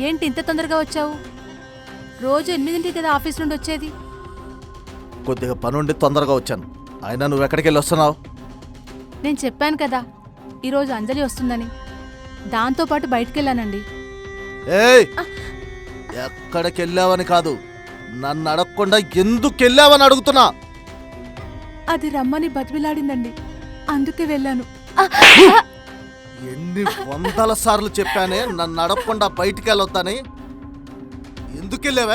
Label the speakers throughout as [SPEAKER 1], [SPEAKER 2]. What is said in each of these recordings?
[SPEAKER 1] ఏంటి ఇంత తొందరగా వచ్చావు? రోజు 8ంటికి కదా ఆఫీస్ నుండి వచ్చేది.
[SPEAKER 2] కొద్దిగా పనుండి తొందరగా వచ్చాను. అయినా నువ్వు ఎక్కడికి వెళ్ళి వస్తున్నావు?
[SPEAKER 1] నేను చెప్పాను కదా ఈరోజు అంజలి వస్తుందని, దాంతోపాటు బయటికెళ్ళానండి.
[SPEAKER 2] ఏయ్, ఎక్కడికి వెళ్ళావని కాదు, నన్ను అడగకుండా ఎందుకు వెళ్ళావని అడుగుతున్నా.
[SPEAKER 1] అది రమ్మని బతిమిలాడిందండి, అందుకే వెళ్ళాను.
[SPEAKER 2] ఎన్ని వందల సార్లు చెప్పానే నన్ను అడగకుండా బయటికి వెళ్ళొద్దని. ఎందుకు వెళ్ళావే?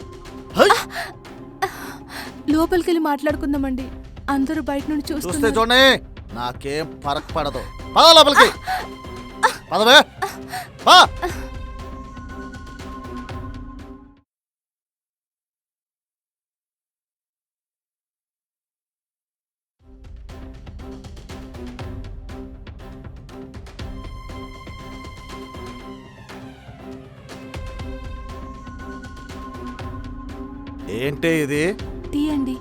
[SPEAKER 1] లోపలికెళ్ళి మాట్లాడుకుందామండి, అందరూ బయట నుండి
[SPEAKER 2] చూస్తే
[SPEAKER 1] చూస్తే.
[SPEAKER 2] చూడండి, నాకేం ఫరక్ పడదు. పద లోపలికి, పదవే పా. ఏంటి ఇది?
[SPEAKER 1] టీ అండి.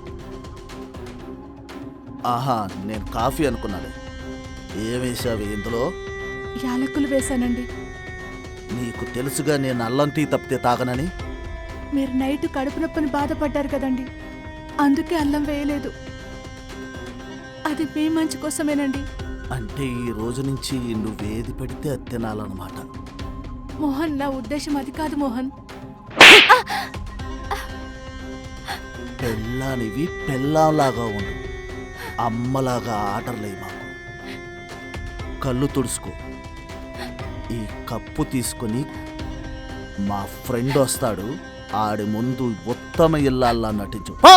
[SPEAKER 2] ఆహా, నేను కాఫీ అనుకున్నాను. ఏమేసావి ఇందులో?
[SPEAKER 1] యాలకులు వేశానండి.
[SPEAKER 2] నీకు తెలుసుగా నేను అల్లం టీ తప్పితే తాగనని.
[SPEAKER 1] మీరు నైట్ కడుపు నొప్పని బాధపడ్డారు కదండి, అందుకే అల్లం వేయలేదు. అది మీ మంచి కోసమేనండి.
[SPEAKER 2] అంటే ఈ రోజు నుంచి నువ్వేది పెడితే అది తినాలన్నమాట.
[SPEAKER 1] మోహన్, నా ఉద్దేశం అది కాదు మోహన్.
[SPEAKER 2] పెళ్ళానివి పెళ్ళాంలాగా ఉండు, అమ్మలాగా ఆర్డర్లే మాకు. కళ్ళు తుడుచుకో. ఈ కప్పు తీసుకుని మా ఫ్రెండ్ వస్తాడు, ఆడి ముందు ఉత్తమ ఇల్లాల్లా నటించు. పో!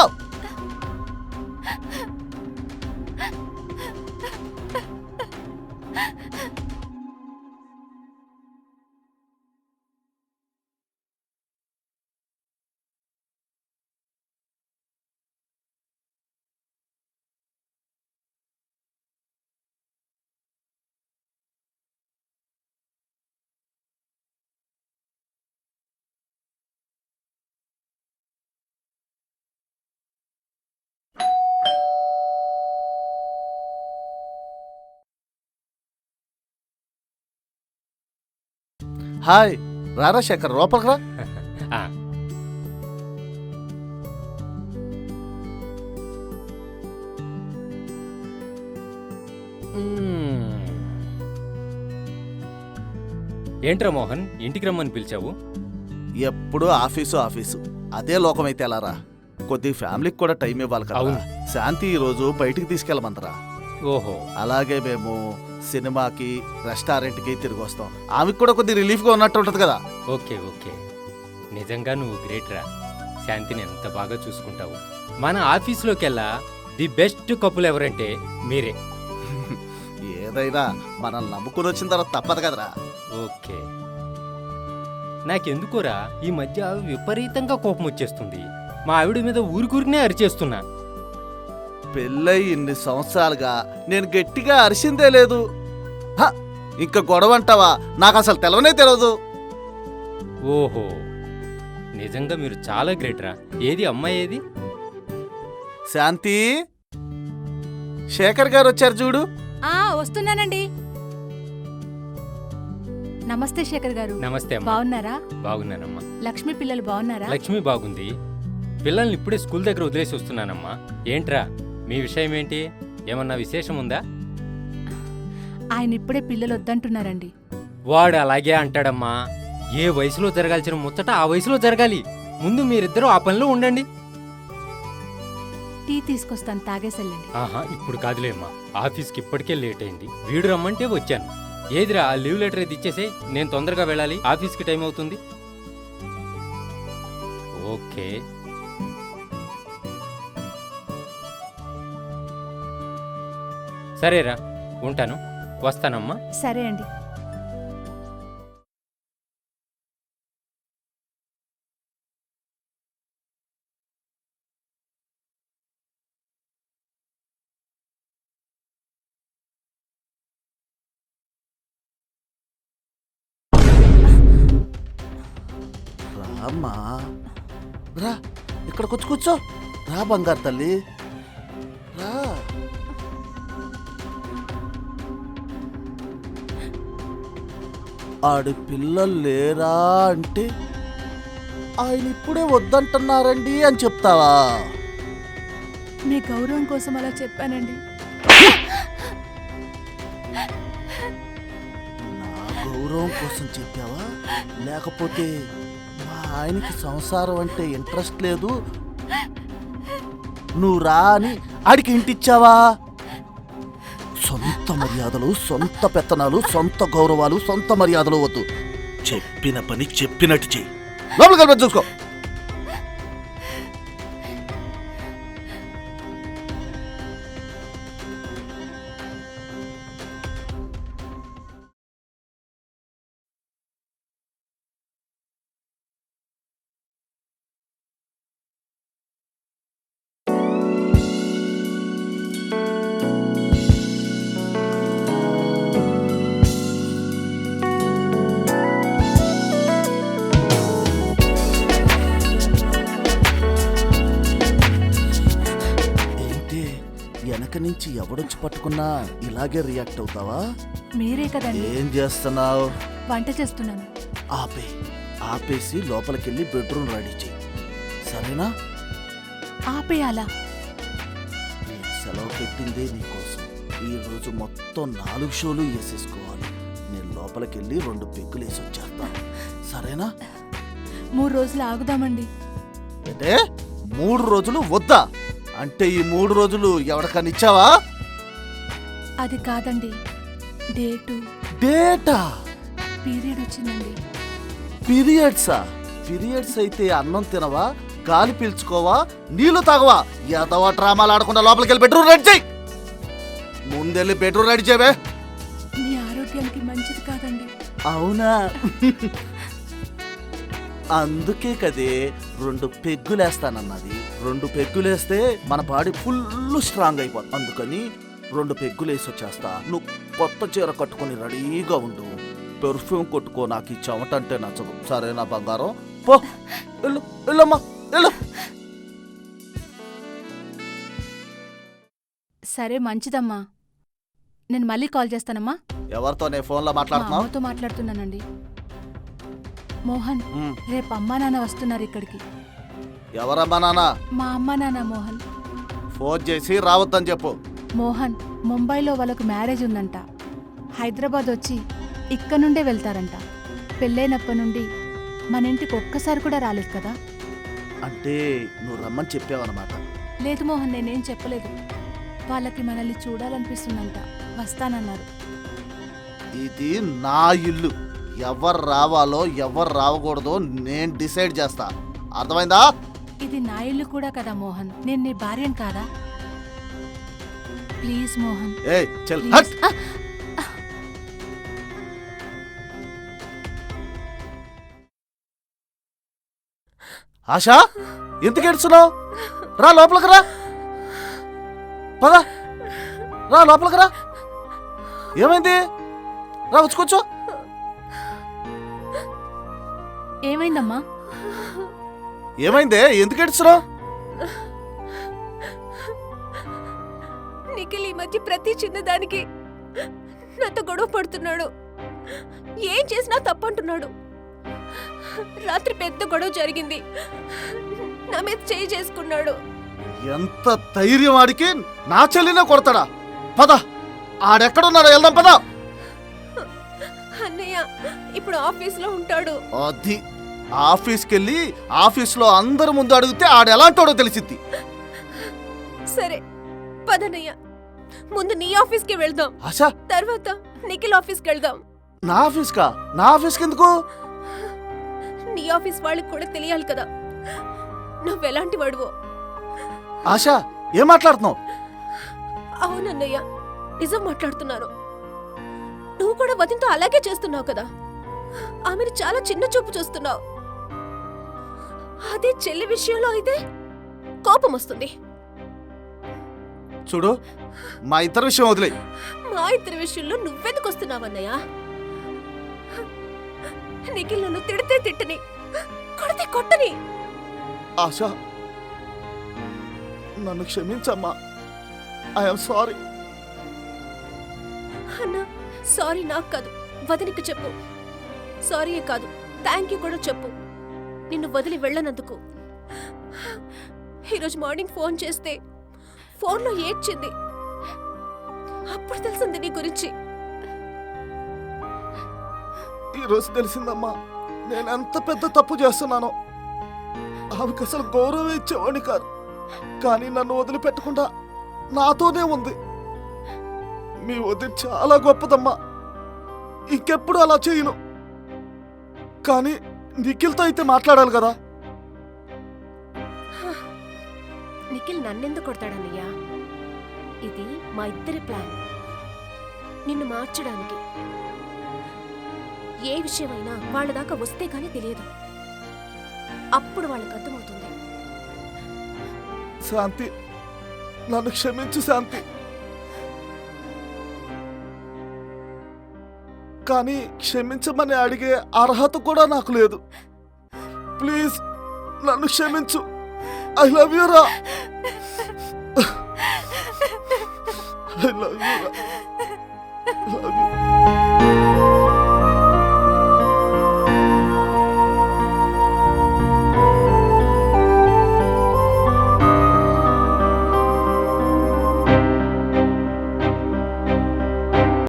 [SPEAKER 2] హాయ్, రారా శేఖర్, లోపలికి రా.
[SPEAKER 3] ఏంట్రా మోహన్, ఇంటికి రమ్మని పిలిచావు?
[SPEAKER 2] ఎప్పుడు ఆఫీసు ఆఫీసు, అదే లోకమైతే ఎలారా? కొద్ది ఫ్యామిలీకి కూడా టైం ఇవ్వాలి కదా.
[SPEAKER 3] అవును.
[SPEAKER 2] శాంతి ఈ రోజు బయటికి తీసుకెళ్ళమంతరా.
[SPEAKER 3] ఓహో,
[SPEAKER 2] అలాగే మేము సినిమాకి, రెస్టారెంట్కి తిరిగి వస్తాం. ఆమెకు కూడా కొద్ది రిలీఫ్గా ఉన్నట్టు ఉంటుంది కదా.
[SPEAKER 3] Okay okay. నిజంగా నువ్వు గ్రేట్ రా. శాంతిని ఎంత బాగా చూసుకుంటావు. మన ఆఫీస్లోకెల్లా ది బెస్ట్ కపుల్ ఎవరంటే మీరే.
[SPEAKER 2] ఏదైనా మనల్ని నమ్ముకుని వచ్చిన తర్వాత తప్పదు కదరా.
[SPEAKER 3] ఓకే. నాకెందుకోరా ఈ మధ్య విపరీతంగా కోపం వచ్చేస్తుంది. మా ఆవిడ మీద ఊరికూరికనే అరిచేస్తున్నా.
[SPEAKER 2] పెళ్ళై ఇన్ని సంవత్సరాలుగా నేను గట్టిగా అరిసిందే లేదు. హ, ఇంకా గొడవ అంటావా? నాకు అసలు తెలవనే తెలియదు.
[SPEAKER 3] ఓహో, నిజంగా మీరు చాలా గ్రేట్ రా. ఏది అమ్మాయి ఏది?
[SPEAKER 2] శాంతి, శేఖర్ గారు వచ్చారు చూడు.
[SPEAKER 1] వస్తున్నానండి. నమస్తే శేఖర్ గారు.
[SPEAKER 3] నమస్తే అమ్మా.
[SPEAKER 1] బాగున్నారా?
[SPEAKER 3] బాగున్నానమ్మా.
[SPEAKER 1] లక్ష్మి పిల్లలు బాగున్నారా?
[SPEAKER 3] లక్ష్మి బాగుంది. పిల్లల్ని ఇప్పుడే స్కూల్ దగ్గర వదిలేసి వస్తున్నానమ్మా. ఏంట్రా మీ విషయం ఏంటి? ఏమన్నా విశేషం ఉందా?
[SPEAKER 1] ఆయన ఇప్పుడే పిల్లలు వద్దంటున్నారండి.
[SPEAKER 3] వాడు అలాగే అంటాడమ్మా. ఏ వయసులో జరగాల్సిన ముచ్చట ఆ వయసులో జరగాలి. ముందు మీరిద్దరూ ఆ పనిలో ఉండండి.
[SPEAKER 1] టీ తీసుకొస్తాను, తాగేసెళ్ళండి.
[SPEAKER 3] ఆహా, ఇప్పుడు కాదులేమ్మా. ఆఫీస్కి ఇప్పటికే లేట్ అయింది. వీడు రమ్మంటే వచ్చాను. ఏదిరా ఆ లీవ్ లెటర్ ఇది ఇచ్చేసే, నేను తొందరగా వెళ్ళాలి. ఆఫీస్కి టైం అవుతుంది. ఓకే. సరేరా, ఉంటాను. వస్తానమ్మా.
[SPEAKER 1] సరే అండి.
[SPEAKER 2] రామ్మా, రా, ఇక్కడికి వచ్చి కూర్చో. రా బంగారు తల్లి, రా. ఆడి పిల్లలు లేరా అంటే ఆయన ఇప్పుడే వద్దంటున్నారండి అని చెప్తావా?
[SPEAKER 1] మీ గౌరవం కోసం అలా చెప్పానండి.
[SPEAKER 2] నా గౌరవం కోసం చెప్పావా? లేకపోతే మా ఆయనకి సంసారం అంటే ఇంట్రెస్ట్ లేదు, నువ్వు రా అని ఆడికి ఇంటిచ్చావా? సొంత మర్యాదలు, సొంత పెత్తనాలు, సొంత గౌరవాలు, సొంత మర్యాదలు వద్దు. చెప్పిన పని చెప్పినట్టు చెయ్యి. లోపలికి వెళ్ళి చూసుకో. వెనక నుంచి ఎవడొచ్చి పట్టుకున్నా ఇలాగే రియాక్ట్ అవుతావా?
[SPEAKER 1] మీరే కదండి.
[SPEAKER 2] ఏం చేస్తున్నావు?
[SPEAKER 1] వంట చేస్తున్నాను.
[SPEAKER 2] ఆపేసి లోపలికెళ్ళి బెడ్రూమ్ రెడీ చెయ్యి, సరేనా?
[SPEAKER 1] ఆపేయాలా?
[SPEAKER 2] నేను సెలవు పెట్టిందే నీకోసం. ఈ రోజు మొత్తం 4 షోలు వేసేసుకోవాలి. నేను లోపలికెళ్ళి 2 పెగ్గులు వేసి వచ్చేస్తాను, సరేనా?
[SPEAKER 1] 3 రోజులు ఆగుదామండి.
[SPEAKER 2] అంటే 3 రోజులు వద్దా? అంటే ఈ 3 రోజులు ఎవరికన్నా ఇచ్చావా?
[SPEAKER 1] అది కాదండి,
[SPEAKER 2] డేటా
[SPEAKER 1] పీరియడ్ వచ్చిందండి.
[SPEAKER 2] పీరియడ్స్ అయితే అన్నం తినవా, గాలి పీల్చుకోవా, నీళ్లు తాగవా? ఎదవా డ్రామాలు ఆడకుండా లోపలికి వెళ్ళి బెడ్రూమ్ రెడీ చేయి. ముందెళ్ళి బెడ్రూమ్ రెడీ చేయవే.
[SPEAKER 1] మీ ఆరోగ్యానికి మంచిది కాదండి.
[SPEAKER 2] అవునా? అందుకే కదే 2 పెగ్గులేస్తానన్నది. 2 పెగ్గులేస్తే మన బాడీ ఫుల్ స్ట్రాంగ్ అయిపోతుంది. అందుకని 2 పెగ్గులేసి వచ్చేస్తా. నువ్వు కొత్త చీర కట్టుకొని రెడీగా ఉండు. పెర్ఫ్యూమ్ కొట్టుకో, నాకు ఈ చెమట అంటే నచ్చదు, సరేనా బంగారం? పో, వెళ్ళమ్మా, వెళ్ళు.
[SPEAKER 1] సరే, మంచిదమ్మా. నేను మళ్ళీ కాల్ చేస్తానమ్మా.
[SPEAKER 2] ఎవరితో నే ఫోన్లో మాట్లాడుతున్నావు?
[SPEAKER 1] అమ్మతో మాట్లాడుతున్నానండి. మోహన్, రేపు అమ్మా నాన్న వస్తున్నారు ఇక్కడికి.
[SPEAKER 2] ఎవరమ్మా నాన్న?
[SPEAKER 1] మా అమ్మా నాన్న మోహన్.
[SPEAKER 2] ఫోన్ చేసి రావద్దని చెప్పు.
[SPEAKER 1] మోహన్, ముంబైలో వాళ్ళకు మ్యారేజ్ ఉందంట. హైదరాబాద్ వచ్చి ఇక్కడ నుండే వెళ్తారంట. పెళ్ళైనప్పటి నుండి మన ఇంటికి ఒక్కసారి కూడా రాలేదు కదా.
[SPEAKER 2] అంటే నువ్వు రమ్మని చెప్పావన్నమాట?
[SPEAKER 1] లేదు మోహన్, నేనేం చెప్పలేదు. వాళ్ళకి మనల్ని చూడాలనిపిస్తుందంట, వస్తానన్నారు.
[SPEAKER 2] ఇది నా ఇల్లు. ఎవరు రావాలో ఎవరు రావకూడదో నేను డిసైడ్ చేస్తా, అర్థమైందా?
[SPEAKER 1] ఇది నా ఇల్లు కూడా కదా మోహన్, నేను నీ భార్యను కాదా? ప్లీజ్ మోహన్.
[SPEAKER 2] ఏయ్ చల్,
[SPEAKER 1] ప్లీజ్.
[SPEAKER 2] హట్. ఆశా, ఎందుకు ఏడుస్తున్నావు? రా లోపలికి రా. పద, రా లోపలికి రా. ఏమైంది? రా, వచ్చి కూర్చో.
[SPEAKER 1] ఏమైందమ్మా?
[SPEAKER 2] ఏమైందే? ఎందుకు ఏడుస్తున్నావు?
[SPEAKER 4] నిఖిల్ ఈ మధ్య ప్రతి చిన్నదానికి నాతో గొడవ పడుతున్నాడు. ఏం చేసినా తప్పంటున్నాడు. రాత్రి పెద్ద గొడవ జరిగింది, నా మీద చేయి చేసుకున్నాడు.
[SPEAKER 2] ఎంత ధైర్యం ఆడికి! నా చెల్లినే కొడతాడా? పద, ఆడెక్కడున్నాడో వెళ్దాం, పద.
[SPEAKER 4] అన్నయ్య ఇప్పుడు ఆఫీస్లో ఉంటాడు.
[SPEAKER 2] అది ఆఫీస్కెళ్ళి ఆఫీస్లో అందరి ముందు అడిగితే ఆడెలాంటోడో తెలిసిద్ది.
[SPEAKER 4] సరే పదన్నయ్య, ముందు నీ ఆఫీస్కి వెళ్దాం,
[SPEAKER 2] ఆశా
[SPEAKER 4] తర్వాత నిఖిల్ ఆఫీస్కి వెళ్దాం.
[SPEAKER 2] నా ఆఫీస్కా? నా ఆఫీస్కి ఎందుకు?
[SPEAKER 4] నీ ఆఫీస్ వాళ్ళకి కూడా తెలియాలి కదా నువ్వెలాంటి వాడువో.
[SPEAKER 2] ఆశా, ఏం మాట్లాడుతున్నావు?
[SPEAKER 4] అవునన్నయ్య, నిజం మాట్లాడుతున్నాను. నువ్వు కూడా వదినతో అలాగే చేస్తున్నావు కదా. ఆమెను చాలా చిన్న చూపు చూస్తున్నావు. అదే చెల్లి విషయంలో అయితే కోపం వస్తుంది.
[SPEAKER 2] చూడు, మా ఇద్దరి విషయం వదిలే.
[SPEAKER 4] మా ఇద్దరి విషయంలో నువ్వెందుకు వస్తున్నావన్నయ్య? నిఖిల్ నన్ను తిడితే తిట్టని, కొడితే కొట్టని.
[SPEAKER 2] ఆశా, నన్ను క్షమించమ్మా. I'm sorry.
[SPEAKER 4] అన్నా, సారీ నాకు కాదు, వదినికి చెప్పు. సారీయే కాదు, థ్యాంక్ యూ కూడా చెప్పు, నిన్ను వదిలి వెళ్ళనందుకు. ఈరోజు మార్నింగ్ ఫోన్ చేస్తే ఫోన్లో ఏడ్చింది. అప్పుడు తెలిసింది నీ గురించి.
[SPEAKER 2] ఈరోజు తెలిసిందమ్మా నేను ఎంత పెద్ద తప్పు చేస్తున్నానో. ఆమెకు అసలు గౌరవం ఇచ్చేవాడిని కాదు, కానీ నన్ను వదిలిపెట్టకుండా నాతోనే ఉంది. మీ వదిన చాలా గొప్పదమ్మా, ఇంకెప్పుడు అలా చేయను. కానీ నిఖిల్తో అయితే మాట్లాడాలి కదా.
[SPEAKER 4] నిఖిల్ నన్నెందుకు కొడతాడన్నయ్యా? ఇది మా ఇద్దరి ప్లాన్, నిన్ను మార్చడానికి. ఏ విషయమైనా వాళ్ళ దాకా వస్తే గానీ తెలియదు, అప్పుడు వాళ్ళకి అర్థమవుతుంది.
[SPEAKER 2] శాంతి, నన్ను క్షమించు శాంతి. కానీ క్షమించమని అడిగే అర్హత కూడా నాకు లేదు. ప్లీజ్ నన్ను క్షమించు. ఐ లవ్ యూ రా. ఐ లవ్ యూ రా. Love you.